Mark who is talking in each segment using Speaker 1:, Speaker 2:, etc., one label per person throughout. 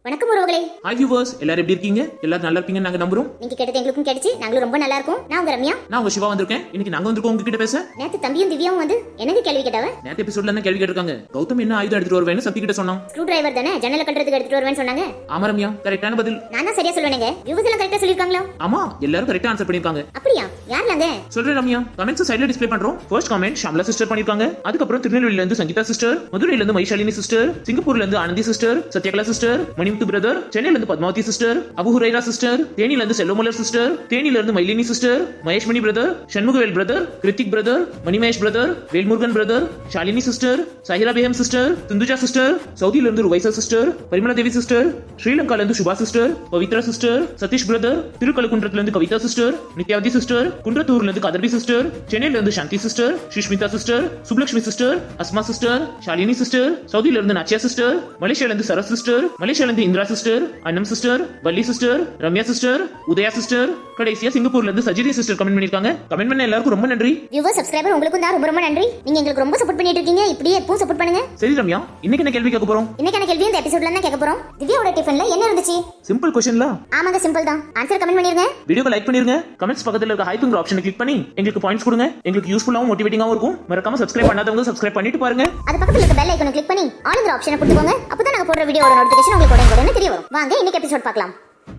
Speaker 1: வணக்கம் உறவுகளே.
Speaker 2: Hi viewers, எல்லாரும் எப்படி இருக்கீங்க? எல்லாரும் நல்லா இருப்பீங்க நாங்க நம்புறோம்.
Speaker 1: நீங்க கேட்டது எங்களுக்கும் கிடைச்சு நாங்களும் ரொம்ப நல்லா இருக்கோம். நான் உங்க ரம்யா.
Speaker 2: நான் உங்க சிவா வந்திருக்கேன். இன்னைக்கு நாங்க வந்திருக்கோம் உங்ககிட்ட பேச.
Speaker 1: நேத்து தம்பியும் திவ்யாவும் வந்து எனக்கு கேள்வி கேட்டாவ.
Speaker 2: நேத்து எபிசோட்ல என்ன கேள்வி கேட்டிருக்காங்க? கௌதம் என்ன ஆயுதம் எடுத்துட்டு வருவேன்னு சக்தி கிட்ட சொன்னான்.
Speaker 1: ஸ்க்ரூ டிரைவர் தானே ஜன்னல கட்டறதுக்கு எடுத்துட்டு வருவேன்னு சொன்னாங்க.
Speaker 2: ஆமா ரம்யா, கரெக்டான பதில்.
Speaker 1: நான் தான் சரியா சொல்லுவேங்க. வியூவர்ஸ் எல்லாம் கரெக்ட்டா சொல்லிருக்காங்களா?
Speaker 2: ஆமா, எல்லாரும் கரெக்ட்டா ஆன்சர் பண்ணிருக்காங்க.
Speaker 1: அப்படியா? யாருலாங்க?
Speaker 2: சொல்றேன் ரம்யா. கமெண்ட்ஸ் சைடுல டிஸ்ப்ளே பண்றோம். ஃபர்ஸ்ட் கமெண்ட் ஷாம்லா சிஸ்டர் பண்ணிருக்காங்க. அதுக்கு அப்புறம் திருநெல்வேலில இருந்து சங்கீதா சிஸ்டர், மதுரையில இருந்து மைஷாலினி சிஸ்டர், சிங்கப்பூர்ல இருந்து Anandhi sister, Sathyakala sister, Manimuthu brother, சென்னையில இருந்து பத்மாவதி சிஸ்டர், அபு ஹுரைரா சிஸ்டர், தேனியில இருந்து செல்வமலர் சிஸ்டர், தேனியில இருந்து Mylini sister, Maheshmani brother, Shanmugavel brother, Krithik brother, Manimesh brother, Velmurugan brother, Shalini sister, Sahira Begum sister, Thundhuja sister, சவுதியில இருந்து ருவைசா சிஸ்டர், பரிமளா தேவி சிஸ்டர், ஸ்ரீலங்கால இருந்து Subha sister, Pavithra sister, Sathish brother, திருக்கழுக்குன்றத்துல இருந்து கவிதா சிஸ்டர், நித்யாவதி சிஸ்டர், குன்றத்தூர்ல இருந்து கதர்பி சிஸ்டர், சென்னையில இருந்து சாந்தி sister, Sushmita sister, Subhalakshmi sister, Asma sister, Shalini sister, சவுதியில இருந்து நாச்சியா சிஸ்டர், மலேசியால இருந்து சரஸ் சிஸ்டர், மலேசியால இருந்து Indira sister, Annam sister, Valli sister, Ramya sister, Udaya sister, கடைசியா சிங்கப்பூர்ல இருந்து சஜிரி சிஸ்டர் கமெண்ட் பண்ணிருக்காங்க. கமெண்ட் பண்ண எல்லாருக்கும் ரொம்ப நன்றி.
Speaker 1: வியூவர்ஸ் சப்ஸ்கிரைபர் உங்களுக்கும் தான் ரொம்ப ரொம்ப நன்றி. நீங்க எங்களுக்கு ரொம்ப சப்போர்ட் பண்ணிட்டு இருக்கீங்க. இப்படியே எப்பவும் சப்போர்ட் பண்ணுங்க.
Speaker 2: சரி ரம்யா, இன்னைக்கு என்ன கேள்வி கேட்க போறோம்?
Speaker 1: இன்னைக்கான கேள்வி இந்த எபிசோட்ல தான் கேட்க போறோம். திவ்யாவோட டிஃபன்ல என்ன இருந்துச்சு?
Speaker 2: சிம்பிள் क्वेश्चनல.
Speaker 1: ஆமாங்க, சிம்பிள் தான். ஆன்சர் கமெண்ட் பண்ணிருங்க.
Speaker 2: வீடியோக்கு லைக் பண்ணிருங்க. கமெண்ட்ஸ் பக்கத்துல இருக்க ஹைப்ங்கிற ஆப்ஷனை கிளிக் பண்ணி எங்களுக்கு பாயிண்ட்ஸ் கொடுங்க. எங்களுக்கு யூஸ்ஃபுல்லாவும் மோட்டிவேட்டிங்காவும் இருக்கும். மறக்காம சப்ஸ்கிரைப் பண்ணாதவங்க சப்ஸ்கிரைப் பண்ணிட்டு பாருங்க.
Speaker 1: அது பக்கத்துல இருக்க பெல் ஐகானை கிளிக் பண்ணி ஆல்ங்கிற ஆப்ஷனை கொடுத்துக்கோங்க. அப்பதான் நாங்க போடுற வீடியோவோட நோட்டிஃபிகேஷன் உங்களுக்கு உடனே தெரிய வரும். வாங்க இன்னைக்கு எபிசோட் பார்க்கலாம்.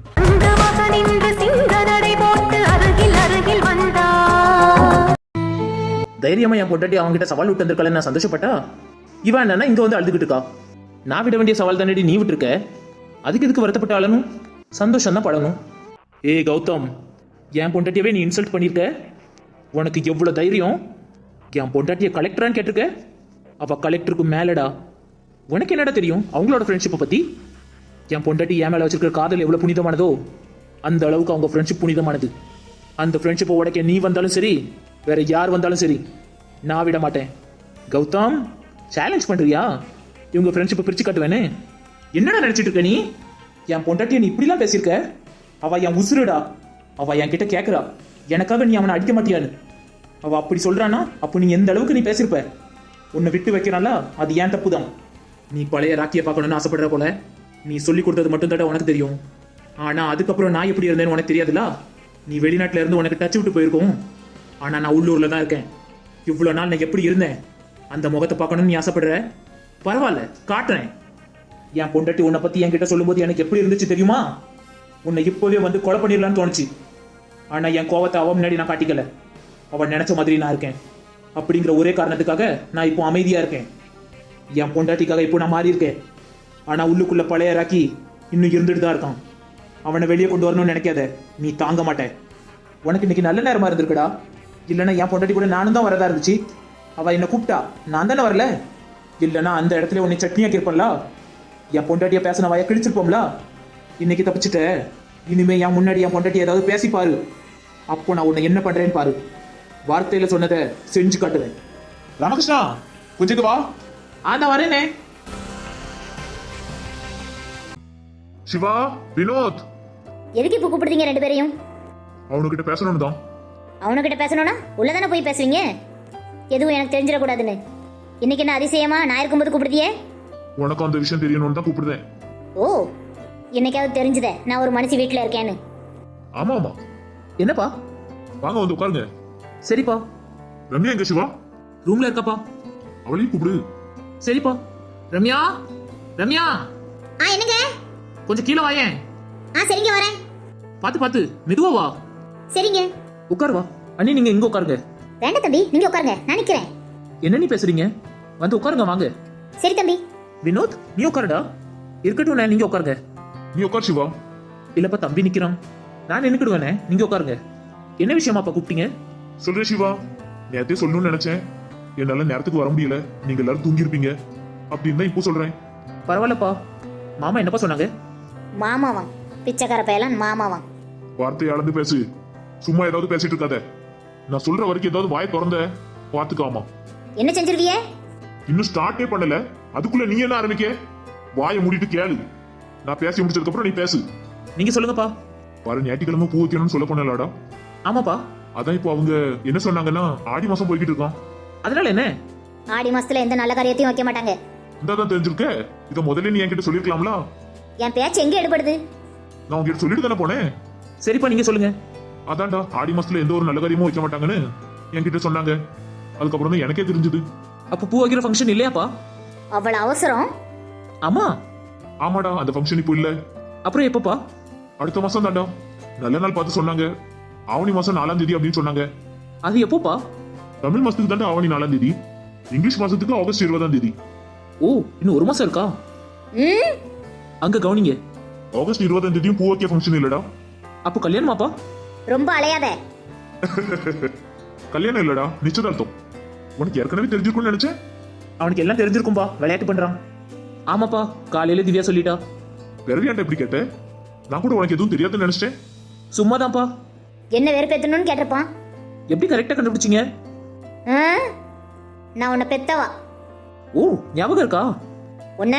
Speaker 2: தைரியமா என் பொண்டாட்டி அவங்க கிட்ட சவால் விட்டு வந்திருக்கல, நான் சந்தோஷப்பட்டா. இவன் என்னன்னா இங்க வந்து அழுதுகிட்டு இருக்கா. நான் விட வேண்டிய சவால் தானே நீ விட்டுருக்க. அதுக்கு எதுக்கு வருத்தப்பட்டு அழணும்? சந்தோஷம் தான் படணும். ஏய் கௌதம், என் பொண்டாட்டியவே நீ இன்சல்ட் பண்ணிருக்க. உனக்கு எவ்வளவு தைரியம்? என் பொண்டாட்டிய கலெக்டரான்னு கேட்டிருக்க. அவ கலெக்டருக்கு மேலடா. உனக்கு என்னடா தெரியும் அவங்களோட ஃப்ரெண்ட்ஷிப்பை பத்தி? என் பொண்டாட்டி என் மேல வச்சிருக்கிற காதல் எவ்வளவு புனிதமானதோ அந்த அளவுக்கு அவங்க ஃப்ரெண்ட்ஷிப் புனிதமானது. அந்த ஃப்ரெண்ட்ஷிப்பை உடைக்க நீ வந்தாலும் சரி, வேற யார் வந்தாலும் சரி, நான் விட மாட்டேன். கௌதம், சேலஞ்ச் பண்றியா? இவங்க ஃப்ரெண்ட்ஷிப்பை பிரிச்சு காட்டுவேனே. என்னடா நினைச்சிட்டு இருக்க நீ? என் பொண்டாட்டிய நீ இப்படிலாம் பேசியிருக்க. அவ என் உசுருடா. அவ என் கிட்ட கேட்கறா, எனக்காக நீ அவனை அடிக்க மாட்டியான்னு. அவ அப்படி சொல்றானா, அப்போ நீ எந்த அளவுக்கு நீ பேசியிருப்ப? உன்னை விட்டு வைக்கிறான்ல, அது ஏன் தப்பு தான். நீ பழைய ராக்கியை பார்க்கணும்னு ஆசைப்படுற போல. நீ சொல்லி கொடுத்தது மட்டும் தான் உனக்கு தெரியும். ஆனா அதுக்கப்புறம் நான் எப்படி இருந்தேன்னு உனக்கு தெரியாதுல்ல. நீ வெளிநாட்டுல இருந்து உனக்கு டச் விட்டு போயிருக்கோம். ஆனா நான் உள்ளூர்ல தான் இருக்கேன். இவ்வளவு நாள் நான் எப்படி இருந்தேன் அந்த முகத்தை பார்க்கணும்னு நீ ஆசைப்படுற. பரவாயில்ல, காட்டுறேன். என் பொண்டாட்டி உன்னை பத்தி என்கிட்ட சொல்லும்போது எனக்கு எப்படி இருந்துச்சு தெரியுமா? உன்னை இப்போவே வந்து கொலை பண்ணிடலான்னு தோணுச்சு. ஆனா என் கோவத்தை அவ முன்னாடி நான் காட்டிக்கல. அவன் நினைச்ச மாதிரி நான் இருக்கேன். அப்படிங்கிற ஒரே காரணத்துக்காக நான் இப்போ அமைதியா இருக்கேன். என் பொண்டாட்டிக்காக இப்போ நான் மாறி இருக்கேன். ஆனா உள்ளுக்குள்ள பழைய ராக்கி இன்னும் இருந்துட்டு தான் இருக்கான். அவனை வெளியே கொண்டு வரணும்னு நினைக்காத, நீ தாங்க மாட்டேன். உனக்கு இன்னைக்கு நல்ல நேரமா இருந்திருக்குடா. இல்லைன்னா என் பொண்டாட்டி கூட நானும் தான் வரதா இருந்துச்சு. அவ என்னை கூப்பிட்டா, நான் தானே வரல. இல்லைன்னா அந்த இடத்துல உன்னை சட்னியாக்கி இருப்பேன்ல. என் பொண்டாட்டிய பேசின வாய கிழிச்சிருப்போம்ல. இன்னைக்கு தப்பிச்சுட்ட. இனிமே என் முன்னாடி என் பொண்டாட்டி ஏதாவது பேசி பாரு. அப்போ நான் உன்னை என்ன பண்றேன்னு பாரு. வார்த்தையில சொன்னதை செஞ்சு காட்டுவேன்.
Speaker 3: ராமகிருஷ்ணா, கொஞ்சம் வா.
Speaker 2: அதான் வரேனே.
Speaker 3: சிவா, வினோத்,
Speaker 1: எதுக்கு இப்ப கூப்பிடுறீங்க ரெண்டு பேரையும்?
Speaker 3: அவனுக்கிட்ட பேசணும்னு தான்.
Speaker 1: அவனுக்கிட்ட பேசணும்னா உள்ளதானே போய் பேசுவீங்க. எதுவும் எனக்கு தெரிஞ்சிடக்கூடாதுன்னு. இன்னைக்கு என்ன அதிசயமா நான் இருக்கும்போது கூப்பிடுதியே?
Speaker 3: உனக்கு அந்த விஷயம் தெரியணும்னு தான் கூப்பிடுறேன்.
Speaker 1: ஓ, என்னைக்காவது தெரிஞ்சுதே நான் ஒரு மனுஷி வீட்டுல இருக்கேன்னு?
Speaker 3: ஆமா ஆமா.
Speaker 2: என்னப்பா?
Speaker 3: வாங்க வந்து உட்காருங்க.
Speaker 2: சரிப்பா.
Speaker 3: ரம்யா எங்க சிவா?
Speaker 2: ரூம்ல இருக்காப்பா.
Speaker 3: அவளையும் கூப்பிடு.
Speaker 2: சரிப்பா. ரம்யா, ரம்யா,
Speaker 1: என்னங்க?
Speaker 2: கொஞ்சம் கீழே வாயேன்.
Speaker 1: சரிங்க, வரேன்.
Speaker 2: பாத்து பாத்து மெதுவா வா.
Speaker 1: சரிங்க.
Speaker 2: உட்காரு வா. அண்ணி நீங்க இங்க உட்காருங்க.
Speaker 1: வேண்டாம் தம்பி, நீங்க உட்காருங்க, நான் நிக்கிறேன்.
Speaker 2: என்ன நீ பேசுறீங்க? வந்து உட்காருங்க வாங்க.
Speaker 1: சரி தம்பி.
Speaker 2: வினோத், நீ உட்காருடா. இருக்கட்டும், நான் நீங்க உட்காருங்க.
Speaker 3: நீ உட்கார் சிவா.
Speaker 2: இல்லப்பா, தம்பி நிக்கிறான். நான் நின்னுக்கிடுவேனே, நீங்க உட்காருங்க. என்ன விஷயமாப்பா கூப்பிட்டீங்க?
Speaker 3: சொல்றேன் சிவா. நேரத்தையும் சொல்லணும்னு நினைச்சேன். என்னால நேரத்துக்கு வர முடியல. நீங்க எல்லாரும் தூங்கி இருப்பீங்க அப்படின்னு தான் இப்போ சொல்றேன்.
Speaker 2: பரவாயில்லப்பா. மாமா என்னப்பா சொன்னாங்க?
Speaker 1: மாமாவான், பிச்சைக்கார பயலான் மாமாவான்.
Speaker 3: வார்த்தையை அளந்து பேசு. சும்மா ஏதாவது பேசிட்டு இருக்காத. நான் சொல்ற வரைக்கும் ஏதாவது வாயை திறந்த பாத்துக்காமா.
Speaker 1: என்ன செஞ்சிருவியே?
Speaker 3: இன்னும் ஸ்டார்ட்டே பண்ணல, அதுக்குள்ள நீ என்ன ஆரம்பிக்க? வாயை மூடிட்டு கேளு. நான் பேசி முடிச்சதுக்கு அப்புறம் நீ பேசு.
Speaker 2: நீங்க சொல்லுங்கப்பா.
Speaker 3: பாரு, ஞாயிற்றுக்கிழமை பூ வைக்கணும்னு சொல்ல போனலாடா.
Speaker 2: ஆமாப்பா.
Speaker 3: அதான் இப்போ அவங்க என்ன சொன்னாங்கன்னா, ஆடி மாசம் போய்கிட்டு இருக்கான்.
Speaker 2: அதனால என்ன?
Speaker 1: ஆடி மாசத்துல எந்த நல்ல காரியத்தையும் வைக்க மாட்டாங்க.
Speaker 3: இந்தாதான் தெரிஞ்சிருக்க. இத முதல்ல நீ என்கிட்ட சொல்லிருக்கலாம்ல.
Speaker 1: என் பேச்சு எங்க எடுபடுது?
Speaker 3: நான் உங்ககிட்ட சொல்லிட்டு தானே போனேன்.
Speaker 2: சரிப்பா நீங்க சொல்லுங்க.
Speaker 3: அதான்டா ஆடி மாசத்துல எந்த ஒரு நல்ல காரியமும் வைக்க மாட்டாங்கன்னு என்கிட்ட சொன்னாங்க. அதுக்கப்புறம் தான் எனக்கே தெரிஞ்சது.
Speaker 2: அப்ப பூ வைக்கிற ஃபங்க்ஷன் இல்லையாப்பா?
Speaker 1: அவ்வளவு அவசரம்?
Speaker 2: ஆமா.
Speaker 3: ஆமாடா, அந்த ஃபங்க்ஷன் இப்போ இல்ல.
Speaker 2: அப்புறம் எப்பப்பா?
Speaker 3: அடுத்த மாசம் தான்டா. நல்ல நாள் பார்த்து சொன்னாங்க. ஆவணி மாசம் 4ஆம் தேதி அப்படின்னு சொன்னாங்க.
Speaker 2: அது எப்போப்பா?
Speaker 3: தமிழ் மாசத்துக்கு தான்டா ஆவணி 4ஆம் தேதி. இங்கிலீஷ் மாசத்துக்கு ஆகஸ்ட் 20ஆம் தேதி.
Speaker 2: ஓ, இன்னும் ஒரு மாசம் இருக்கா?
Speaker 1: ம்,
Speaker 2: அங்க கவனிங்க.
Speaker 3: ஆகஸ்ட் 20ஆம் தேதியும் பூ வைக்க ஃபங்க்ஷன் இல்லடா.
Speaker 2: அப்போ கல்யாணமாப்பா?
Speaker 1: ரொம்ப அலையாத.
Speaker 3: கல்யாணம் இல்லடா, நிச்சயதார்த்தம். உனக்கு ஏற்கனவே தெரிஞ்சிருக்கும்னு நினைச்சேன்.
Speaker 2: அவனுக்கு எல்லாம் தெரிஞ்சிருக்கும்பா, விளையாட்டு பண்றான். ஆமாப்பா, காலையில திவ்யா சொல்லிட்டா.
Speaker 3: வெறுவியாண்ட எப்படி கேட்ட? நான் கூட உனக்கு எதுவும் தெரியாதுன்னு நினைச்சிட்டேன்.
Speaker 2: சும்மாதான்ப்பா.
Speaker 1: என்ன வெறுப்பேத்தணும்னு கேட்டிருப்பான்.
Speaker 2: எப்படி கரெக்டா கண்டுபிடிச்சீங்க?
Speaker 1: ஆ? நான் உன்னை பெத்தவா.
Speaker 2: ஓ, ஞாபகம் இருக்கா?
Speaker 1: உன்ன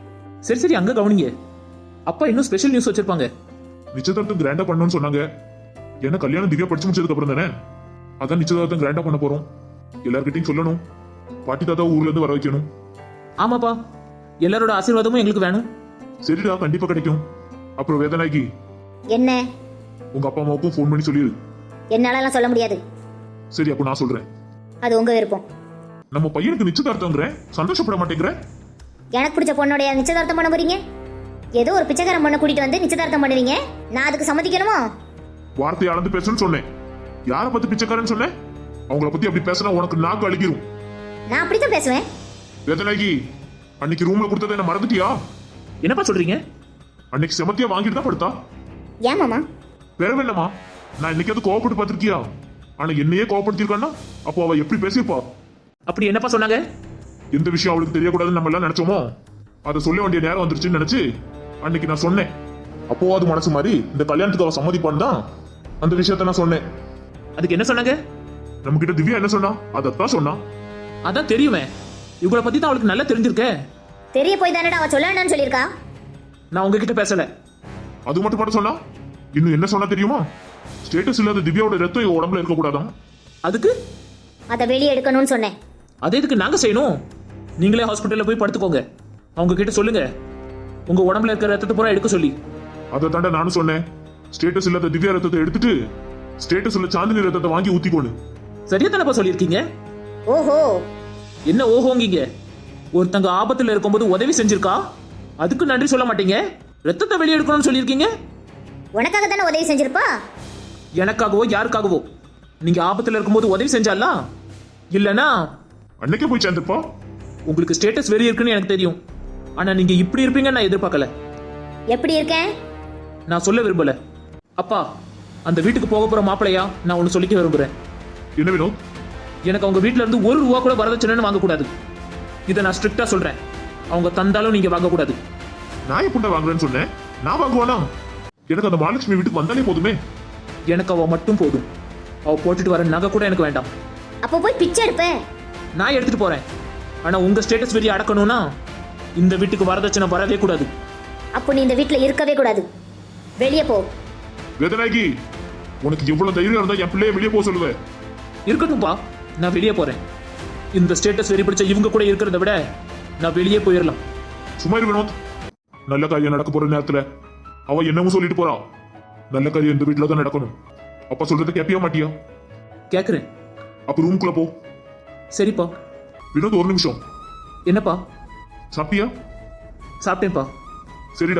Speaker 2: சரி சரி, அங்க கவனிங்க. அப்பா இன்னும் ஸ்பெஷல் நியூஸ் வச்சிருப்பாங்க.
Speaker 3: நிச்சயதார்த்தம் கிராண்டா பண்ணணும்னு சொன்னாங்க. ஏன்னா கல்யாணம் திவ்யா படிச்சு முடிச்சதுக்கு அப்புறம் தானே. அதான் நிச்சயதார்த்தம் கிராண்டா பண்ண போறோம். எல்லார்கிட்டையும் சொல்லணும். பாட்டி தாத்தா ஊர்ல இருந்து வர வைக்கணும்.
Speaker 2: ஆமாப்பா, எல்லாரோட ஆசீர்வாதமும் எங்களுக்கு வேணும்.
Speaker 3: சரிடா, கண்டிப்பா கிடைக்கும். அப்புறம் வேதனாய்க்கு
Speaker 1: என்ன?
Speaker 3: உங்க அப்பா அம்மாவுக்கும் ஃபோன் பண்ணி சொல்லிடு.
Speaker 1: என்னாலலாம் சொல்ல முடியாது.
Speaker 3: சரி, அப்போ நான் சொல்றேன்.
Speaker 1: அது உங்க விருப்பம்.
Speaker 3: நம்ம பையனுக்கு நிச்சயதார்த்தங்கிற சந்தோஷப்பட மாட்டேங்கிற.
Speaker 1: எனக்கு பிடிச்ச பொண்ணோடைய நிச்சயதார்த்தம் பண்ண போறீங்க? ஏதோ ஒரு பிச்சைக்காரன் பொண்ணை கூட்டிட்டு வந்து நிச்சயதார்த்தம் பண்ணுவீங்க. நான் அதுக்கு சம்மதிக்கணுமா?
Speaker 3: வார்த்தையை அளந்து பேசுன்னு சொன்னேன். யாரை பத்தி பிச்சைக்காரன்னு சொன்னேன்? அவங்கள பத்தி அப்படி பேசினா உனக்கு நாக்கு அழுகிரும்.
Speaker 1: நான் அப்படித்தான் பேசுவேன்.
Speaker 3: வேதனாய்க்கு அன்னைக்கு ரூம்ல கொடுத்ததை என்ன மறந்துட்டியா?
Speaker 2: என்னப்பா சொல்றீங்க?
Speaker 3: அன்னைக்கு செமத்தியா வாங்கிட்டு தான் படுத்தா.
Speaker 1: ஏன் மாமா?
Speaker 3: வேற என்னமா, நான் இன்னைக்கு கோவப்பட்டு பார்த்திருக்கியா? ஆனா என்னையே கோவப்படுத்திருக்கான்னா அப்போ அவ எப்படி பேசியிருப்பா?
Speaker 2: அப்படி என்னப்பா சொன்னாங்க?
Speaker 3: எந்த விஷயம் அவளுக்கு தெரியக்கூடாதுன்னு நம்ம எல்லாம் நினைச்சோமோ அதை சொல்ல வேண்டிய நேரம் வந்துருச்சுன்னு நினைச்சு அன்னைக்கு நான் சொன்னேன். அப்போ அது மனசு மாதிரி இந்த கல்யாணத்துக்கு அவ சம்மதிப்பான்னு தான் அந்த விஷயத்த நான் சொன்னேன்.
Speaker 2: அதுக்கு என்ன சொன்னாங்க?
Speaker 3: நம்ம கிட்ட திவ்யா என்ன சொன்னா? அதத்தான் சொன்னா.
Speaker 2: அதான் தெரியுமே, இவங்கள பத்தி தான் அவளுக்கு நல்லா தெரிஞ்சிருக்கே.
Speaker 1: தெரிய போய் தானடா அவ சொல்ல வேண்டாம்னு சொல்லியிருக்கா.
Speaker 2: நான் உங்ககிட்ட பேசல.
Speaker 3: அது மட்டும் மட்டும் சொன்னா. இன்னும் என்ன சொன்னா தெரியுமா? ஸ்டேட்டஸ் இல்லாத திவ்யாவோட ரத்தம் இவ உடம்புல இருக்க கூடாதான்.
Speaker 2: அதுக்கு
Speaker 1: அதை வெளியே எடுக்கணும்னு சொன்னேன்.
Speaker 2: அதே இதுக்கு நாங்க செய்யணும். நீங்களே ஹாஸ்பிட்டல்ல போய் படுத்துக்கோங்க. அவங்க கிட்ட சொல்லுங்க உங்க உடம்புல இருக்கிற ரத்தத்தை பூரா எடுக்க சொல்லி.
Speaker 3: அதை தாண்ட நானும் சொன்னேன். ஸ்டேட்டஸ் இல்லாத திவ்யா ரத்தத்தை எடுத்துட்டு ஸ்டேட்டஸ் உள்ள சாந்தினி ரத்தத்தை வாங்கி ஊத்திக்கோன்னு.
Speaker 2: சரியா தானப்பா சொல்லியிருக்கீங்க?
Speaker 1: ஓஹோ,
Speaker 2: என்ன ஓஹோங்கீங்க? ஒருத்தங்க ஆபத்துல இருக்கும்போது உதவி செஞ்சிருக்கா, அதுக்கு நன்றி சொல்ல மாட்டீங்க. ரத்தத்தை வெளியே எடுக்கணும்னு சொல்லியிருக்கீங்க.
Speaker 1: உனக்காக தானே உதவி செஞ்சிருப்பா.
Speaker 2: எனக்காகவோ யாருக்காகவோ? நீங்க ஆபத்துல இருக்கும்போது உதவி செஞ்சாலா? இல்லனா
Speaker 3: அன்னைக்கே போய் சேர்ந்துப்பா.
Speaker 2: உங்களுக்கு ஸ்டேட்டஸ் வெறி இருக்குன்னு எனக்கு தெரியும். ஆனா நீங்க இப்படி இருப்பீங்கன்னு நான் எதிர்பார்க்கல.
Speaker 1: எப்படி இருக்கேன்?
Speaker 2: நான் சொல்ல விரும்பல. அப்பா, அந்த வீட்டுக்கு போக போற மாப்பிளையா நான் ஒன்னு சொல்லிக்க விரும்புறேன்.
Speaker 3: என்ன வினோத்?
Speaker 2: எனக்கு அவங்க வீட்ல இருந்து ஒரு ரூபா கூட வரதட்சணைன்னு வாங்கக்கூடாது. இதை நான் ஸ்ட்ரிக்டா சொல்றேன். அவங்க தந்தாலும் நீங்க வாங்கக்கூடாது.
Speaker 3: நான் எப்படி வாங்குறேன்னு சொன்னேன்? நான் வாங்குவானா? எனக்கு அந்த மகாலட்சுமி வீட்டுக்கு வந்தாலே போதுமே.
Speaker 2: எனக்கு அவ மட்டும் போதும். அவ போட்டுட்டு வர நகை கூட எனக்கு வேண்டாம்.
Speaker 1: அப்போ போய் பிச்சை எடுப்பேன்.
Speaker 2: நான் எடுத்துட்டு போறேன். ஆனா உங்க ஸ்டேட்டஸ் வெறிய அடக்கணும்னா இந்த வீட்டுக்கு வரதட்சணை வரவே கூடாது.
Speaker 1: அப்போ நீ இந்த வீட்டுல இருக்கவே கூடாது. வெளியே போ.
Speaker 3: வேதனாய்க்கு உனக்கு எவ்வளவு தைரியம் இருந்தா என் பிள்ளைய வெளியே போக சொல்லுவேன்.
Speaker 2: இருக்கட்டும்பா, நான் வெளியே போறேன். இந்த ஸ்டேட்டஸ் வெறி பிடிச்ச இவங்க கூட இருக்கிறத விட நான் வெளியே போயிடலாம்.
Speaker 3: சும்மா இரு வினோத். நல்ல காரியம் நடக்க போற நேரத்துல அவ என்னமோ சொல்லிட்டு போறா. நல்ல காரியம் இந்த வீட்டுல தான் நடக்கணும். அப்பா சொல்றத கேப்பியா மாட்டியா?
Speaker 2: கேக்குறேன்.
Speaker 3: அப்ப ரூம்குள்ள போ.
Speaker 2: சரிப்பா.
Speaker 3: வினோத், ஒரு நிமிஷம்.
Speaker 2: என்னப்பா?
Speaker 3: சாப்பிட்டியா?
Speaker 2: சாப்பிட்டேன்ப்பா.
Speaker 3: சரிடா.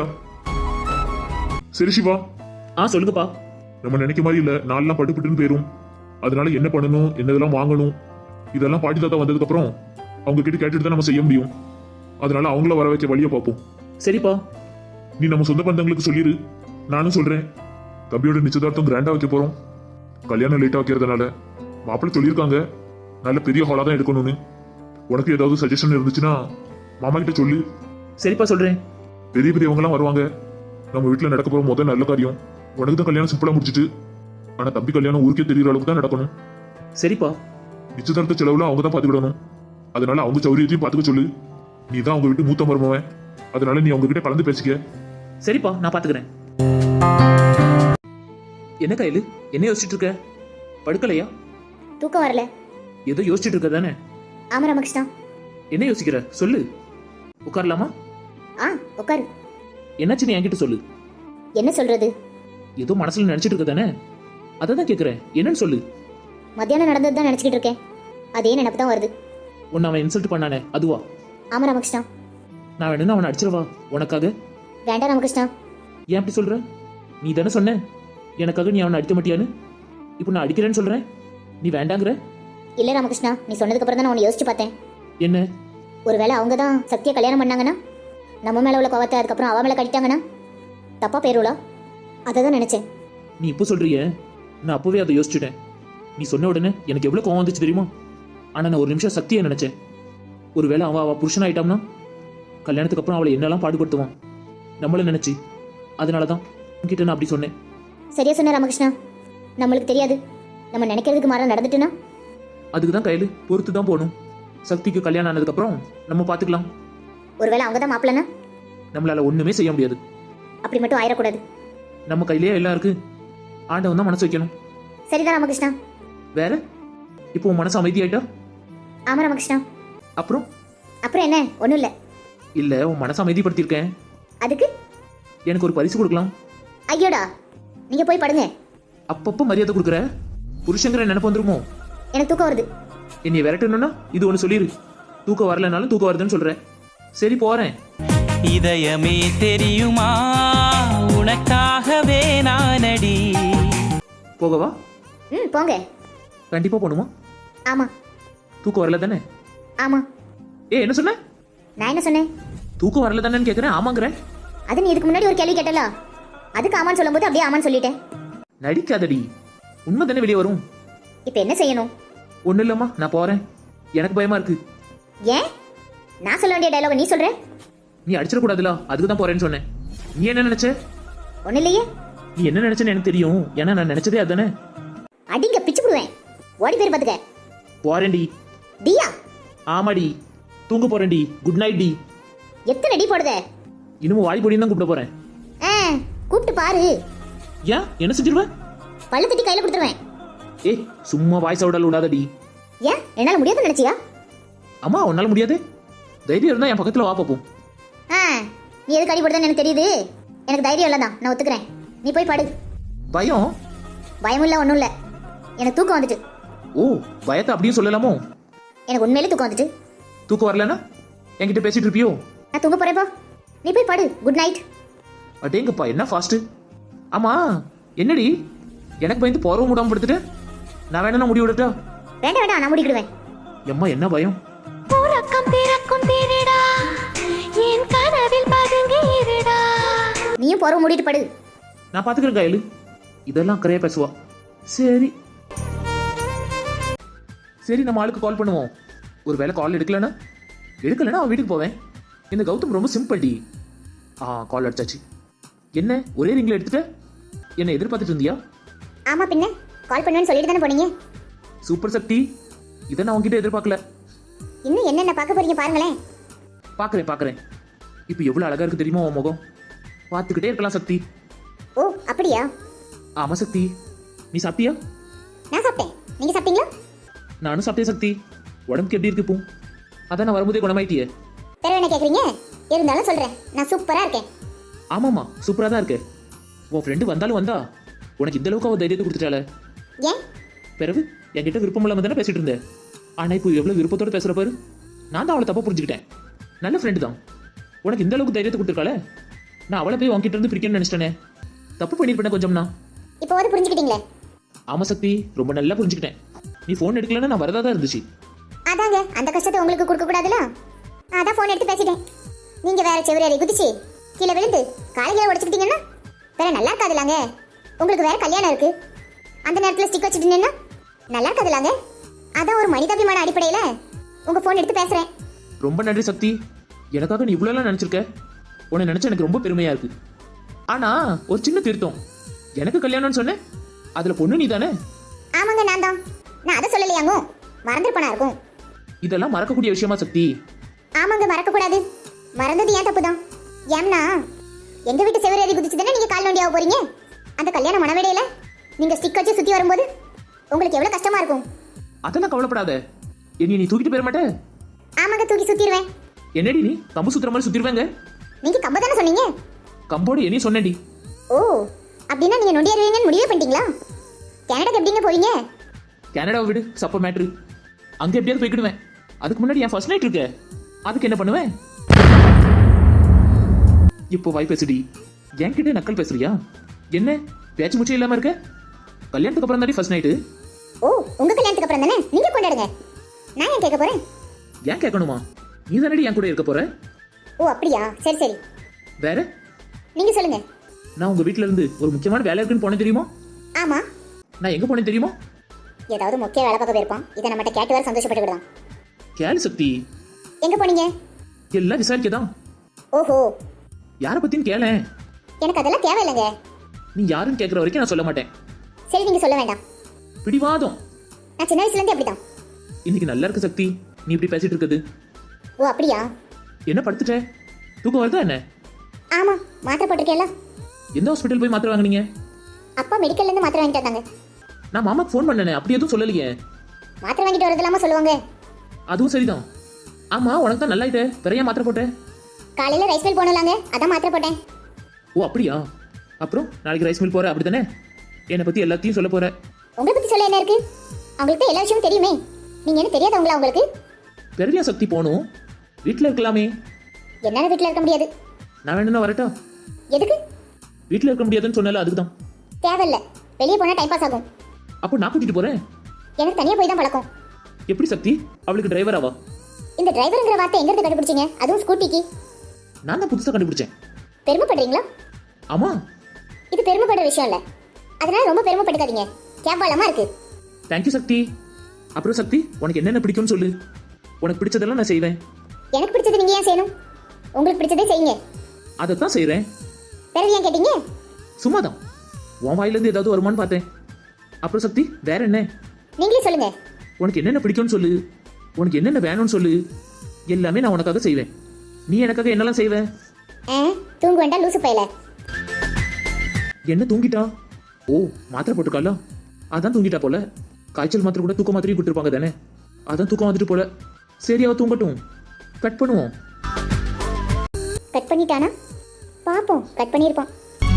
Speaker 3: சரி சிவா,
Speaker 2: சொல்லுங்கப்பா.
Speaker 3: நம்ம நினைக்க மாதிரி இல்ல, நாளெல்லாம் பட்டுப்பட்டுன்னு போயிரும். அதனால என்ன பண்ணணும், என்னதெல்லாம் வாங்கணும், இதெல்லாம் பாட்டி தாத்தா வந்ததுக்கு அப்புறம் அவங்க கிட்ட கேட்டுட்டு தான் நம்ம செய்ய முடியும். அதனால அவங்கள வர வைக்க வழியை பார்ப்போம்.
Speaker 2: சரிப்பா.
Speaker 3: நீ நம்ம சொந்த பந்தங்களுக்கு சொல்லிடு. நானும் சொல்றேன். தம்பியோட நிச்சயதார்த்தம் கிராண்டா வைக்க போறோம். கல்யாணம் லேட்டா வைக்கிறதுனால மாப்பிள்ளை சொல்லியிருக்காங்க நல்ல பெரிய ஹாலா தான் எடுக்கணும்னு. உனக்கு ஏதாவது சஜஷன் இருந்துச்சுன்னா மாமா கிட்ட சொல்லு.
Speaker 2: சரிப்பா, சொல்றேன்.
Speaker 3: பெரிய பெரியவங்கலாம் வருவாங்க. நம்ம வீட்டுல நடக்க போற முதல் நல்ல காரியம். உனக்கு தான் கல்யாணம் சிம்பிளா முடிச்சிட்டு, ஆனா தம்பி கல்யாணம் ஊருக்கே தெரியற அளவுக்கு தான் நடக்கணும்.
Speaker 2: சரிப்பா.
Speaker 3: நிச்சயதார்த்த செலவுல அவங்க தான் பாத்துக்கிடணும். அதனால அவங்க சௌரியத்தையும் பாத்துக்க சொல்லு. நீ தான் அவங்க வீட்டு மூத்த மருமவன். அதனால நீ அவங்க கிட்ட கலந்து பேசிக்க.
Speaker 2: சரிப்பா, நான் பாத்துக்கிறேன். என்ன கையில என்ன யோசிச்சுட்டு இருக்க? படுக்கலையா?
Speaker 1: தூக்கம் வரல.
Speaker 2: ஏதோ யோசிச்சுட்டு இருக்க தானே?
Speaker 1: ஆமா ராமகிருஷ்ணா.
Speaker 2: என்ன யோசிக்கிற சொல்லு. உட்காரலாமா?
Speaker 1: உட்காரு.
Speaker 2: என்னாச்சுன்னு என்கிட்ட சொல்லு.
Speaker 1: என்ன சொல்றது?
Speaker 2: ஏதோ மனசுல நினைச்சிட்டு இருக்க தானே, அதை தான் கேட்குறேன். என்னன்னு சொல்லு.
Speaker 1: மத்தியானம் நடந்தது தான் நினச்சிக்கிட்டு இருக்கேன். அதே நினப்பு தான் வருது.
Speaker 2: உன்னை அவன் இன்சல்ட் பண்ணானே அதுவா?
Speaker 1: ஆமா ராமகிருஷ்ணா.
Speaker 2: நான் வேணும்னா அவனை அடிச்சிடவா உனக்காக?
Speaker 1: வேண்டாம் ராமகிருஷ்ணா.
Speaker 2: ஏன் அப்படி சொல்ற? நீ தானே சொன்ன எனக்காக நீ அவனை அடிக்க மாட்டியான்னு. இப்போ நான் அடிக்கிறேன்னு சொல்றேன், நீ வேண்டாங்கிற.
Speaker 1: இல்லை ராமகிருஷ்ணா, நீ சொன்னதுக்கு அப்புறம் தான் நான் உன்னை யோசிச்சு பார்த்தேன்.
Speaker 2: என்ன?
Speaker 1: ஒருவேளை அவங்க தான் சக்தியை கல்யாணம் பண்ணாங்கன்னா, நம்ம மேலே உள்ள கோவத்தை அதுக்கப்புறம் அவ மேலே கட்டிட்டாங்கன்னா தப்பா பேருலா? அதை தான் நினச்சேன்.
Speaker 2: நீ இப்போ சொல்றியே, நான் அப்போவே அதை யோசிச்சுட்டேன். நீ சொன்ன உடனே எனக்கு எவ்வளோ கோவம் வந்துச்சு தெரியுமா? ஆனால் நான் ஒரு நிமிஷம் சக்தியை நினைச்சேன். ஒருவேளை அவள் புருஷன் ஆயிட்டான்னா கல்யாணத்துக்கு அப்புறம் அவளை என்னெல்லாம் பாடுபடுத்துவான் நம்மள நினைச்சு. அதனால தான் உன்கிட்ட நான் அப்படி சொன்னேன்.
Speaker 1: சரியா சொன்ன ராமகிருஷ்ணா. நம்மளுக்கு தெரியாது, நம்ம நினைக்கிறதுக்கு மாற நடந்துட்டுனா
Speaker 2: அதுக்கு தான் கையில் பொறுத்து தான் போகணும். சக்திக்கு கல்யாணம் ஆனதுக்கப்புறம் நம்ம பார்த்துக்கலாம்.
Speaker 1: ஒருவேளை அவங்க தான் மாப்பிள்ளனா
Speaker 2: நம்மளால ஒன்றுமே செய்ய முடியாது.
Speaker 1: அப்படி மட்டும் ஆயிடக்கூடாது.
Speaker 2: நம்ம கையிலேயே எல்லாம் இருக்கு. ஆண்டவன் தான் மனசு வைக்கணும்.
Speaker 1: சரிதான் ராமகிருஷ்ணா.
Speaker 2: வேற இப்போ உன் மனசு அமைதியாயிட்டா?
Speaker 1: ஆமா ராமகிருஷ்ணா.
Speaker 2: அப்புறம்
Speaker 1: அப்புறம் என்ன? ஒன்றும் இல்லை.
Speaker 2: இல்லை, உன் மனசை அமைதிப்படுத்தியிருக்கேன்.
Speaker 1: அதுக்கு
Speaker 2: எனக்கு ஒரு பரிசு கொடுக்கலாம்.
Speaker 1: ஐயோடா, நீங்க போய் படுங்க.
Speaker 2: அப்பப்போ மரியாதை கொடுக்குற. புருஷங்கிற நினைப்பு வந்துருமோ?
Speaker 1: எனக்கு தூக்கம் வருது.
Speaker 2: என்னை விரட்டணும்னா இது ஒன்று சொல்லிடு. தூக்கம் வரலனாலும் தூக்கம் வருதுன்னு சொல்கிறேன். சரி போகிறேன்.
Speaker 4: இதயமே தெரியுமா உனக்காகவே நானடி.
Speaker 2: போகவா?
Speaker 1: ம், போங்க.
Speaker 2: கண்டிப்பாக போகணுமா?
Speaker 1: ஆமா.
Speaker 2: தூக்கம் வரல தானே?
Speaker 1: ஆமா.
Speaker 2: என்ன சொன்ன?
Speaker 1: நான் என்ன சொன்னேன்?
Speaker 2: தூக்கம் வரல தானேன்னு கேட்குறேன். ஆமாங்கிறேன்.
Speaker 1: அது நீ இதுக்கு முன்னாடி ஒரு கேள்வி கேட்டல, அதுக்கு ஆமான்னு சொல்லும்போது அப்படியே ஆமான்னு சொல்லிட்டேன்.
Speaker 2: நடிக்காதடி, உண்மை தானே வெளியே வரும்.
Speaker 1: இப்போ என்ன செய்யணும்?
Speaker 2: ஒன்றும் இல்லைம்மா, நான் போகிறேன். எனக்கு பயமா இருக்கு.
Speaker 1: ஏன்? நான் சொல்ல வேண்டிய டயலாக நீ சொல்ற?
Speaker 2: நீ அடிச்சிடக்கூடாதுல, அதுக்கு தான் போறேன்னு சொன்னேன். நீ என்ன நினைச்ச?
Speaker 1: ஒன்றும் இல்லையே.
Speaker 2: நீ என்ன நினைச்சேன்னு எனக்கு தெரியும். ஏன்னா நான் நினைச்சதே அதுதானே.
Speaker 1: அடிங்க பிச்சு போடுவேன். ஓடி பேர் பார்த்துக்க.
Speaker 2: போறேன்டி.
Speaker 1: டியா?
Speaker 2: ஆமாடி, தூங்க போறேன்டி. குட் நைட் டி.
Speaker 1: எத்தனை டி போடுத?
Speaker 2: இன்னமும் வாடி பொடியும் தான் கூப்பிட போறேன்.
Speaker 1: கூப்பிட்டு பாரு.
Speaker 2: ஏன் என்ன செஞ்சிருவேன்?
Speaker 1: பல்ல தட்டி கையில கொடுத்துருவேன்.
Speaker 2: சும்மா வாய்ஸ் அவுடால் விடாதடி.
Speaker 1: ஏன் என்னால முடியாதுன்னு நினைச்சியா?
Speaker 2: அம்மா உன்னால முடியாது. தைரியம் இருந்தா என் பக்கத்துல வா பாப்போம்.
Speaker 1: நீ எதுக்கு அடி போடுறதுன்னு எனக்கு தெரியுது. எனக்கு தைரியம் இல்லை தான், நான் ஒத்துக்கிறேன். நீ போய் படு.
Speaker 2: பயம்?
Speaker 1: பயம் இல்லை, ஒன்றும் இல்லை. எனக்கு தூக்கம் வந்துட்டு.
Speaker 2: ஓ, பயத்தை அப்படியே சொல்லலாமோ?
Speaker 1: எனக்கு உண்மையிலே தூக்கம் வந்துட்டு.
Speaker 2: தூக்கம் வரலன்னா என்கிட்ட பேசிட்டு இருப்பியோ?
Speaker 1: நான் தூங்க போறேப்பா, நீ போய் படு. Good night.
Speaker 2: அடேங்கப்பா, என்ன ஃபாஸ்ட். ஆமா, என்னடி எனக்கு பயந்து போறவும் விடாம படுத்துட்டு? நான் வேணா முடி விடட்டா?
Speaker 1: வேண்டாம் வேண்டாம், நான் முடிக்கிடுவேன்.
Speaker 2: எம்மா என்ன பயம்.
Speaker 1: நீயும் போறவ மூடிட்டு படு.
Speaker 2: நான் பாத்துக்கிறேன் கையில. இதெல்லாம் கரையா பேசுவா. சரி சரி, நம்ம ஆளுக்கு கால் பண்ணுவோம். ஒரு வேளை கால் எடுக்கலன்னா அவன் வீட்டுக்கு போவேன். இந்த கௌதம் ரொம்ப சிம்பிள் டி. கால் அடிச்சாச்சு. என்ன ஒரே ரிங்ல எடுத்துட்ட? என்ன எதிர்பார்த்துட்டு இருந்தியா?
Speaker 1: ஆமா, பின்ன கால் பண்ணுவேன்னு சொல்லிட்டு தானே போனீங்க.
Speaker 2: சூப்பர் சக்தி, இதை நான் உங்ககிட்ட எதிர்பார்க்கல.
Speaker 1: இன்னும் என்னென்ன பார்க்க போறீங்க பாருங்களேன்.
Speaker 2: பார்க்குறேன். இப்போ எவ்வளோ அழகா இருக்கு தெரியுமா உன் முகம்? பார்த்துக்கிட்டே இருக்கலாம் சக்தி.
Speaker 1: ஓ அப்படியா?
Speaker 2: ஆமா சக்தி. நீ சாப்பிட்டியா?
Speaker 1: நான் சாப்பிட்டேன். நீங்க சாப்பிட்டீங்களா?
Speaker 2: நானும் சாப்பிட்டேன் சக்தி. உடம்புக்கு எப்படி இருக்கு இப்போ? அதான் நான் வரும்போதே குணமாயிட்டியே.
Speaker 1: வேற என்ன கேட்குறீங்க? இருந்தாலும் சொல்றேன், நான் சூப்பரா இருக்கேன்.
Speaker 2: ஆமாம்மா, சூப்பராக தான் இருக்கு. உன் ஃப்ரெண்டு வந்தாலும் வந்தா உனக்கு இந்த அளவுக்கு அவள் தைரியத்தை கொடுத்துட்டாள.
Speaker 1: ஏன்?
Speaker 2: பிறகு என்கிட்ட விருப்பம் இல்லாமல் தானே பேசிட்டு இருந்தேன். ஆனால் இப்போ எவ்வளோ விருப்பத்தோடு பேசுகிற பாரு. நான் தான் அவளை தப்பாக புரிஞ்சுக்கிட்டேன். நல்ல ஃப்ரெண்டு தான், உனக்கு இந்த அளவுக்கு தைரியத்தை கொடுத்துருக்காளே. நான் அவளை போய் உன்கிட்ட இருந்து பிரிக்கணும்னு நினச்சிட்டேனே. தப்பு பண்ணியிருப்பேன் கொஞ்சம்னா.
Speaker 1: இப்போ வந்து புரிஞ்சுக்கிட்டீங்களே?
Speaker 2: ஆமாம் சக்தி, ரொம்ப நல்லா புரிஞ்சுக்கிட்டேன். நீ ஃபோன் எடுக்கலன்னா நான் வரதா தான் இருந்துச்சு.
Speaker 1: அதாங்க, அந்த கஷ்டத்தை உங்களுக்கு கொடுக்க கூடாதுல, அதான் ஃபோன் எடுத்து பேசிட்டேன். நீங்க வேற செவரேறி குதிச்சு கீழே விழுந்து காலையில உடச்சுக்கிட்டீங்கன்னா வேற நல்லா இருக்காதுலாங்க. உங்களுக்கு வேற கல்யாணம் இருக்கு, அந்த நேரத்தில் ஸ்டிக் வச்சுட்டீங்கன்னா நல்லா இருக்காதுலாங்க. அதான் ஒரு மனிதாபிமான அடிப்படையில் உங்க ஃபோன் எடுத்து பேசுறேன்.
Speaker 2: ரொம்ப நன்றி சக்தி. எனக்காக நீ இவ்வளோலாம் நினச்சிருக்க. உன்னை நினச்சா எனக்கு ரொம்ப பெருமையாக இருக்கு. ஆனால் ஒரு சின்ன திருத்தம். எனக்கு கல்யாணம்னு சொன்னேன், அதில் பொண்ணு நீ தானே?
Speaker 1: ஆமாங்க, நான் தான். நான் அதை சொல்லலையாங்க, மறந்துருப்பனா இருக்கும்.
Speaker 2: இதெல்லாம் மறக்கக்கூடிய விஷயமா சக்தி?
Speaker 1: ஆமாங்க, மறக்கக்கூடாது. மறந்தது ஏன் தப்பு தான். ஏம்னா எங்க வீட்டு செவரேறி குதிச்சு தானே நீங்க கால் நோண்டியாக போறீங்க. அந்த கல்யாண மனவேடையில நீங்க ஸ்டிக் வச்சு சுத்தி வரும்போது உங்களுக்கு எவ்வளவு கஷ்டமா இருக்கும்.
Speaker 2: அதெல்லாம் கவலைப்படாத. என்னை நீ தூக்கிட்டு போயிட மாட்டே?
Speaker 1: ஆமாங்க, தூக்கி சுத்திடுவேன்.
Speaker 2: என்னடி நீ கம்பு சுத்துற மாதிரி சுத்திடுவேங்க?
Speaker 1: நீங்க கம்பு தானே சொன்னீங்க.
Speaker 2: கம்போடு என்னையும் சொன்னேன்டி.
Speaker 1: ஓ அப்படின்னா நீங்க நொண்டியாருவீங்கன்னு முடிவே பண்ணிட்டீங்களா? கனடாக்கு எப்படிங்க போவீங்க?
Speaker 2: கனடாவை விடு, சப்ப மேட்ரு. அங்கே எப்படியாவது போய்க்கிடுவேன். அதுக்கு முன்னாடி என் ஃபர்ஸ்ட் நைட் இருக்க, அதுக்கு என்ன பண்ணுவேன்? இப்போ வாய் பேசுடி. என்கிட்ட நக்கல் பேசுறியா? என்ன பேச்சு முச்சே இல்லாம இருக்க? கல்யாணத்துக்கு அப்புறம் தாண்டி ஃபர்ஸ்ட் நைட்டு.
Speaker 1: ஓ உங்க கல்யாணத்துக்கு அப்புறம் தானே நீங்க கொண்டாடுங்க. நான் ஏன் கேட்க போறேன்?
Speaker 2: ஏன் கேட்கணுமா? நீ தானடி என் கூட இருக்க போற.
Speaker 1: ஓ அப்படியா, சரி சரி.
Speaker 2: வேற
Speaker 1: நீங்க சொல்லுங்க.
Speaker 2: நான் உங்க வீட்ல இருந்து ஒரு முக்கியமான வேலை இருக்குன்னு போனேன் தெரியுமா?
Speaker 1: ஆமா,
Speaker 2: நான் எங்க போனேன் தெரியுமா?
Speaker 1: ஏதாவது முக்கிய வேலை பார்க்க போயிருப்பான். இதை நம்மகிட்ட கேட்டு வர சந்தோஷப்பட்டுக்கிடுதான்.
Speaker 2: கேளு சக்தி,
Speaker 1: எங்க போனீங்க?
Speaker 2: எல்லாம் விசாரிக்கதான்.
Speaker 1: ஓஹோ,
Speaker 2: யாரை பத்தின்னு கேளேன்.
Speaker 1: எனக்கு அதெல்லாம் தேவையில்லைங்க.
Speaker 2: நீ யாருன்னு கேட்குற வரைக்கும் நான் சொல்ல மாட்டேன்.
Speaker 1: சரி நீங்க சொல்ல வேண்டாம்.
Speaker 2: பிடிவாதம்.
Speaker 1: நான் சின்ன வயசுல இருந்தே அப்படிதான்.
Speaker 2: இன்னைக்கு நல்லா இருக்கு சக்தி, நீ இப்படி பேசிட்டு இருக்குது.
Speaker 1: ஓ அப்படியா?
Speaker 2: என்ன படுத்துட்ட? தூக்கம் வருதா என்ன?
Speaker 1: ஆமா, மாத்திரை போட்டிருக்கேன்ல.
Speaker 2: எந்த ஹாஸ்பிட்டல் போய் மாத்திரை வாங்குனீங்க?
Speaker 1: அப்பா மெடிக்கல்ல இருந்து மாத்திரை வாங்கிட்டு வந்தாங்க.
Speaker 2: நான் மாமாக்கு ஃபோன் பண்ணனே, அப்படி எதுவும் சொல்லலையே.
Speaker 1: மாத்திரை வாங்கிட்டு வரது இல்லாம சொல்லுவாங்க.
Speaker 2: அதுவும் சரிதான். ஆமா, உனக்கு தான் நல்லாயிட்டே, பிறையா மாத்திரை போட்டேன்.
Speaker 1: காலையில ரைஸ் மில் போனலாங்க, அதான் மாத்திரை போட்டேன்.
Speaker 2: ஓ அப்படியா? அப்புறம் நாளைக்கு ரைஸ் மில் போற அப்படித்தானே? என்னை பத்தி எல்லாத்தையும் சொல்ல போற.
Speaker 1: உங்களை பத்தி சொல்ல என்ன இருக்கு? அவங்களுக்கு தான் எல்லா விஷயமும் தெரியுமே. நீங்க என்ன தெரியாதவங்களா உங்களுக்கு?
Speaker 2: பெரிய சக்தி போகணும், வீட்டில் இருக்கலாமே.
Speaker 1: என்னால வீட்டுல இருக்க முடியாது.
Speaker 2: நான் வேணும்னா வரட்டா?
Speaker 1: எதுக்கு?
Speaker 2: வீட்டில் இருக்க முடியாதுன்னு சொன்னால அதுக்கு தான்.
Speaker 1: தேவையில்ல, வெளியே போனா டைம் பாஸ் ஆகும்.
Speaker 2: அப்போ நான் கூட்டிட்டு போறேன்.
Speaker 1: எனக்கு தனியா போய் தான் பழக்கம்.
Speaker 2: எப்படி சக்தி? அவளுக்கு டிரைவராவா?
Speaker 1: இந்த டிரைவருங்கிற வார்த்தை எங்க இருந்து கண்டுபிடிச்சீங்க? அதுவும் ஸ்கூட்டிக்கு.
Speaker 2: நான் தான் புதுசாக கண்டுபிடிச்சேன்.
Speaker 1: பெருமைப்படுறீங்களா?
Speaker 2: ஆமா.
Speaker 1: இது பெருமைப்படுற விஷயம் இல்ல, அதனால ரொம்ப பெருமைப்பட்டுக்காதீங்க. கேவலமா இருக்கு.
Speaker 2: தேங்க்யூ சக்தி. அப்புறம் சக்தி, உனக்கு என்னென்ன பிடிக்கும்னு சொல்லு. உனக்கு பிடிச்சதெல்லாம் நான் செய்வேன்.
Speaker 1: எனக்கு பிடிச்சது நீங்க ஏன் செய்யணும்? உங்களுக்கு பிடிச்சதே செய்யுங்க.
Speaker 2: அதைத்தான் செய்கிறேன்.
Speaker 1: பிறகு ஏன் கேட்டீங்க?
Speaker 2: சும்மா தான், உன் வாயிலேருந்து ஏதாவது வருமானு பார்த்தேன். அப்புறம் சக்தி, வேற என்ன?
Speaker 1: நீங்களே சொல்லுங்க.
Speaker 2: உனக்கு என்னென்ன பிடிக்கும்னு சொல்லு, உனக்கு என்னென்ன வேணும்னு சொல்லு. எல்லாமே நான் உனக்காக செய்வேன். நீ எனக்காக என்னெல்லாம் செய்வ?
Speaker 1: தூங்க வேண்டாம் லூசு பையல.
Speaker 2: என்ன தூங்கிட்டா? ஓ, மாத்திரை போட்டுருக்காளா? அதான் தூங்கிட்டா போல. காய்ச்சல் மாத்திரை கூட தூக்க மாத்திரையும் கொடுத்துருப்பாங்க தானே, அதான் தூக்கம் வந்துட்டு போல. சரி, அவ தூங்கட்டும், கட் பண்ணுவோம்.
Speaker 1: கட் பண்ணிட்டானா? பாப்போம், கட் பண்ணியிருப்பான்.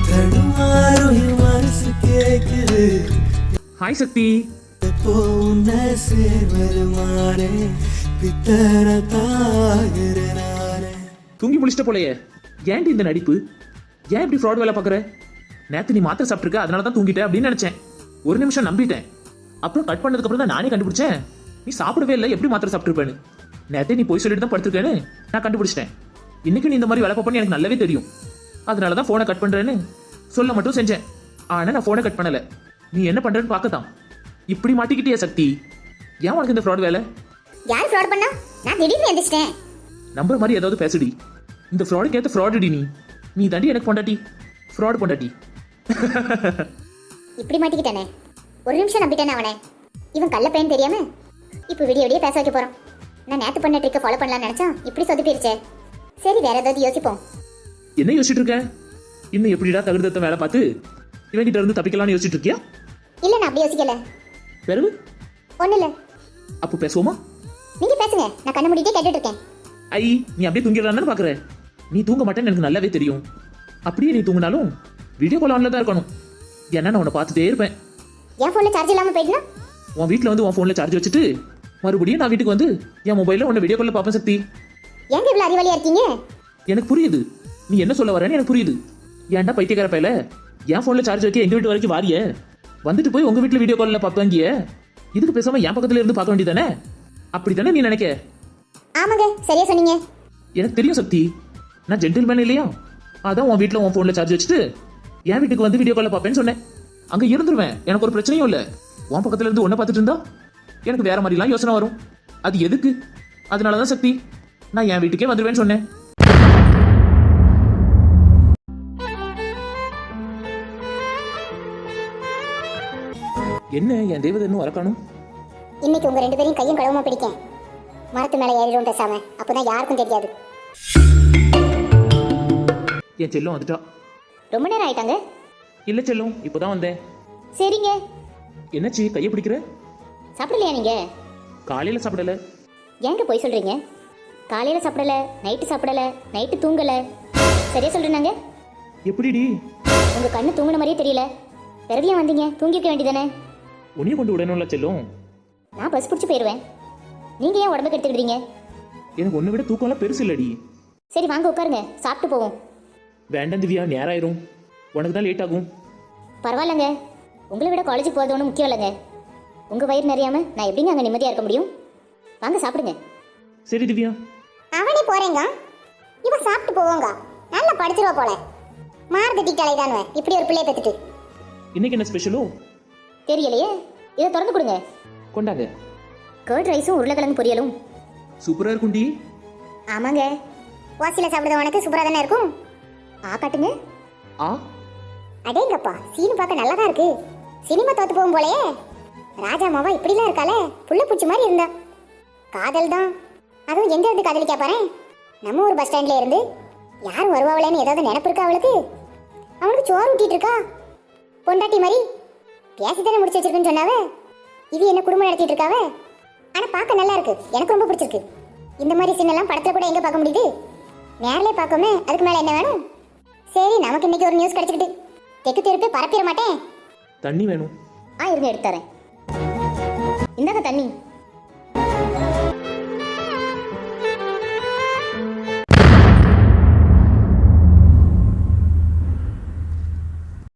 Speaker 2: ஹாய் சக்தி. தூங்கி முடிச்சிட்ட போலையே. ஏன்டி இந்த நடிப்பு? ஏன் இப்படி ஃப்ராட் வேலை பார்க்குற? நேற்று நீ மாத்திரை சாப்பிட்ருக்க, அதனால தான் தூங்கிட்டேன் அப்படின்னு நினச்சேன். ஒரு நிமிஷம் நம்பிட்டேன். அப்புறம் கட் பண்ணதுக்கப்புறம் தான் நானே கண்டுபிடிச்சேன் நீ சாப்பிடவே இல்லை, எப்படி மாத்திரை சாப்பிட்ருப்பேன்னு. நேற்றே நீ போய் சொல்லிட்டு தான் படுத்திருக்கேன்னு நான் கண்டுபிடிச்சிட்டேன். இன்னைக்கு நீ இந்த மாதிரி வேலை பார்ப்பேன்னு எனக்கு நல்லாவே தெரியும். அதனால தான் ஃபோனை கட் பண்ணுறேன்னு சொல்ல மட்டும் செஞ்சேன். ஆனால் நான் ஃபோனை கட் பண்ணலை. நீ என்ன பண்ணுறேன்னு பார்க்கத்தான். இப்படி மாட்டிக்கிட்டியா சக்தி? ஏன் உனக்கு இந்த ஃப்ராட் வேலை?
Speaker 1: யார் ஃப்ராட் பண்ணா? நான் திடீர்னு எந்திரிச்சிட்டேன்.
Speaker 2: நம்புற மாதிரி ஏதாவது பேசுடி. இந்த ஃப்ராடுக்கு ஏற்ற ஃப்ராடுடி நீ. நீ தாண்டி எனக்கு பொண்டாட்டி, ஃப்ராட் பொண்டாட்டி.
Speaker 1: இப்படி மாட்டிக்கிட்டானே, ஒரு நிமிஷம் நம்பிட்டானே அவனை. இவன் கள்ள பையன் தெரியாம இப்போ விடிய விடிய பேச வைக்க போறான். நான் நேத்து பண்ண ட்ரிக்கை ஃபாலோ பண்ணலாம்னு நினைச்சா இப்படி சொதப்பிருச்சே. சரி, வேற ஏதாவது யோசிப்போம்.
Speaker 2: என்ன யோசிச்சுட்டு இருக்க? இன்னும் எப்படிடா தகுந்தத்த வேலை பார்த்து இவங்கிட்ட இருந்து தப்பிக்கலாம்னு யோசிச்சுட்டு இருக்கியா?
Speaker 1: இல்ல, நான் அப்படி யோசிக்கல.
Speaker 2: பிறகு
Speaker 1: ஒண்ணு இல்ல.
Speaker 2: அப்போ பேசுவோமா?
Speaker 1: நீங்க பேசுங்க, நான் கண்ண மூடிட்டே கேட்டுட்டு இருக்கேன்.
Speaker 2: ஐ, நீ அப்படியே தூங்கிடலான்னு பாக்குற. நீ தூங்க மாட்டேன்னு எனக்கு நல்லாவே தெரியும். அப்படியே நீ தூங்கினாலும் வீடியோ கால் ஆன்ல தான் இருக்கணும். ஏன்னா நான் உன்னை பார்த்துட்டே இருப்பேன்.
Speaker 1: என் போன்ல சார்ஜ் இல்லாம போயிடுனா?
Speaker 2: உன் வீட்டில் வந்து உன் ஃபோனில் சார்ஜ் வச்சுட்டு மறுபடியும் நான் வீட்டுக்கு வந்து என் மொபைலில் உன்னை வீடியோ காலில் பார்ப்பேன் சக்தி.
Speaker 1: ஏங்க இவ்வளவு அறிவாளியா இருக்கீங்க?
Speaker 2: எனக்கு புரியுது நீ என்ன சொல்ல வரேன்னு எனக்கு புரியுது. ஏன்டா பைத்தியக்கார பையில, என் ஃபோனில் சார்ஜ் வைக்க எங்கள் வீட்டு வரைக்கும் வாரிய, வந்துட்டு போய் உங்கள் வீட்டில் வீடியோ காலில் பார்ப்பாங்கிய. இதுக்கு பேசாமல் என் பக்கத்தில் இருந்து பார்க்க வேண்டியதானே? அப்படி தானே நீ நினைக்க?
Speaker 1: ஆமாங்க, சரியா சொன்னீங்க.
Speaker 2: எனக்கு தெரியும் சக்தி, நான் ஜென்டில்மேன் இல்லையா? அதான் உன் வீட்டில் உன் ஃபோனில் சார்ஜ் வச்சுட்டு என் வீட்டுக்கு வந்து வீடியோ காலில் பார்ப்பேன்னு சொன்னேன். அங்கே இருந்துருவேன், எனக்கு ஒரு பிரச்சனையும் இல்லை. உன் பக்கத்தில் இருந்து ஒன்றை பார்த்துட்டு இருந்தா எனக்கு வேற மாதிரிலாம் யோசனை வரும். அது எதுக்கு? அதனால தான் சக்தி நான் என் வீட்டுக்கே வந்துடுவேன்னு சொன்னேன். என்ன என் தேவதை இன்னும் வரக்கானும்?
Speaker 1: இன்னைக்கு உங்க ரெண்டு பேரையும் கையும் களவுமா பிடிக்கேன். மரத்து மேல ஏறிடும் பேசாம, அப்பதான் யாருக்கும் தெரியாது.
Speaker 2: என் செல்லம் வந்துட்டா.
Speaker 1: ரொம்ப நேரம் ஆயிட்டாங்க.
Speaker 2: இல்லை செல்லம், இப்போதான் வந்தேன்.
Speaker 1: சரிங்க.
Speaker 2: என்னச்சு கையை பிடிக்கிற?
Speaker 1: சாப்பிடலையா நீங்க?
Speaker 2: காலையில் சாப்பிடல.
Speaker 1: ஏங்க போய் சொல்றீங்க? காலையில சாப்பிடல, நைட்டு சாப்பிடல, நைட்டு தூங்கல. சரியா சொல்றேனாங்க?
Speaker 2: எப்படிடி?
Speaker 1: உங்க கண்ணு தூங்குன மாதிரியே தெரியல. பிறவியா வந்தீங்க, தூங்கிக்க வேண்டியதானே.
Speaker 2: உன்னைய கொண்டு விடணும்ல செல்லும்.
Speaker 1: நான் பஸ் பிடிச்சி போயிடுவேன். நீங்க ஏன் உடம்புக்கு எடுத்துக்கிட்டீங்க?
Speaker 2: எனக்கு ஒன்றை விட தூக்கம்லாம் பெருசு இல்லடி.
Speaker 1: சரி வாங்க உட்காருங்க, சாப்பிட்டு போவோம்.
Speaker 2: வேண்டாம் திவ்யா, நேரம் ஆயிரும். உனக்கு தான் லேட் ஆகும்.
Speaker 1: பரவாயில்லங்க, உங்களை விட காலேஜுக்கு போகிறது ஒன்றும் முக்கியம் இல்லைங்க. உங்க வயிறு நிறையாம நான் எப்படிங்க அங்கே நிம்மதியாக இருக்க முடியும்? வாங்க சாப்பிடுங்க.
Speaker 2: சரி திவ்யா.
Speaker 1: அவனே போறேங்க, இவ சாப்பிட்டு போவோங்க. நல்லா படிச்சிருவா போல. மார்க் திட்டாலை தானே இப்படி ஒரு பிள்ளைய பெற்றுட்டு.
Speaker 2: இன்னைக்கு என்ன ஸ்பெஷலோ?
Speaker 1: தெரியலையே, இதை திறந்து கொடுங்க.
Speaker 2: கொண்டாங்க.
Speaker 1: கர்ட் ரைஸும் உருளைக்கிழங்கு பொரியலும்.
Speaker 2: சூப்பரா இருக்கும்டி.
Speaker 1: ஆமாங்க, வாசியில் சாப்பிடுறவனுக்கு சூப்பராக தானே இருக்கும். காட்டுங்க.
Speaker 2: ஆ,
Speaker 1: அடேங்கப்பா, சீனு பார்க்க நல்லா தான் இருக்கு. சினிமா தோத்து போகும் போலயே. ராஜா மாவா இப்படிலாம் இருக்காளே, புள்ள பூச்சி மாதிரி இருந்தா. காதல் தான், அதுவும் எங்க இருந்து காதலிக்கா பாரு. நம்ம ஒரு பஸ் ஸ்டாண்ட்ல இருந்து யாரும் வருவாங்களேன்னு ஏதாவது நினைப்பு இருக்கா அவளுக்கு? அவனுக்கு சோறு ஊட்டிட்டு இருக்கா பொண்டாட்டி மாதிரி. பேசித்தானே முடிச்சு வச்சிருக்குன்னு சொன்னாவே. இது என்ன குடும்பம் நடத்திட்டு இருக்காவே. ஆனா பார்க்க நல்லா இருக்கு, எனக்கு ரொம்ப பிடிச்சிருக்கு. இந்த மாதிரி சீனெல்லாம் படத்துல கூட எங்க பார்க்க முடியுது? நேரிலே பார்க்கோமே, அதுக்கு மேல என்ன வேணும்? சரி, நமக்கு இன்னைக்கு ஒரு நியூஸ் கிடைச்சிக்கிட்டு தெக்கு தெருப்பே பரப்பிட மாட்டேன்.
Speaker 2: தண்ணி வேணும்.
Speaker 1: இருங்க எடுத்து தரேன். இந்தாங்க தண்ணி.